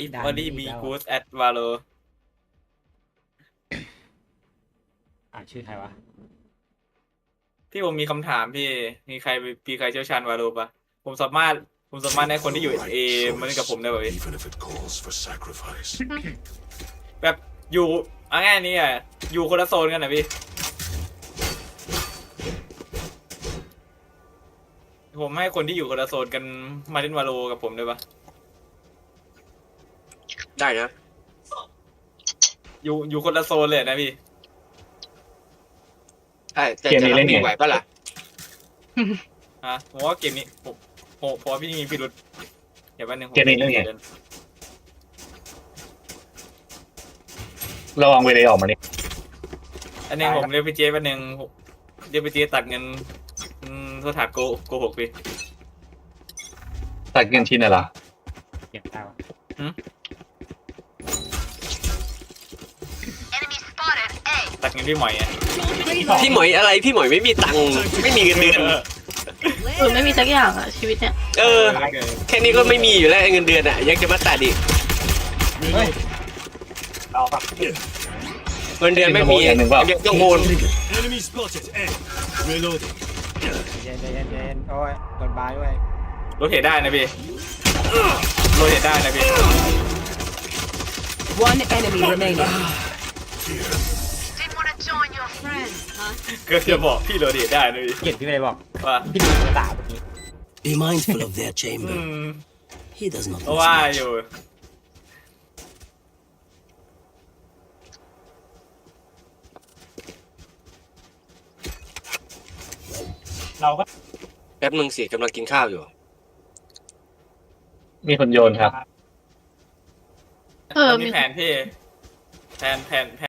if ด่าน only นี้อีก be แล้ว good at Valo ชื่อใครวะพี่ผมมีคำถามพี่มีใครเชี่ยวชาญวาโลปะผมสามารถผมสามารถให้คนที่อยู่เอมาเล่นกับผมได้ป่ะพี่ Even if it calls for sacrifice. แบบอยู่เอาง่ายนี้อ่ะอยู่คนละโซนกันนะพี่ผมให้คนที่อยู่คนละโซนกันมาเล่นวาโลกับผมได้ปะได้นะอยู่คนละโซนเลยนะพี่ใช่แต่เกมนี้จะเล่รับนไงมือไหวปะล่ะฮะผมว่าเกมนี้ผมว่าพี่มีพิรุธอย่าแป๊บนึงผมเกมนี้เล่นไง ระวังเวเลออกมานี่อันนึงผมเรียกพี่เจแป๊บนึงเรียกพี่เจตัดเงินโทษฐานโกหกพี่ตัดเงินชิ้นอะไรเก็บได้วะตัดเงินพี่หมอยอ่ะพี่หมอยอะไรพี่หมอยไม่มีตังค์ไม่มีเงินเดือนไม่มีสักอย่างอะชีวิตเนี่ยเออ แค่นี้ก็ไม่มีอยู่แล้วเงินเดือนอ่ะยังจะมาตัดอีกเฮ้ยเอาปะเงินเดือนไม่มียังต้องโอน Enemy spotted. A. Reloading. เย็นเย็นโอ้ยโดนบายด้วยรถเหตุได้นะพี่รถเหตุได้นะพี่ One enemy remaining. ก็จะบอกพี่รถเหตุได้นะพี่เกียรติพี่ไม่ได้บอกว่าพี่ดูภาษาเมื่อกี้ Be mindful of their อื chamber. ม He does not เพราะ miss ว่า much. อยู่เราก็แป๊บนึงสิกำลังกินข้าวอยู่มีคนโยนครับมีแผนพี่แผน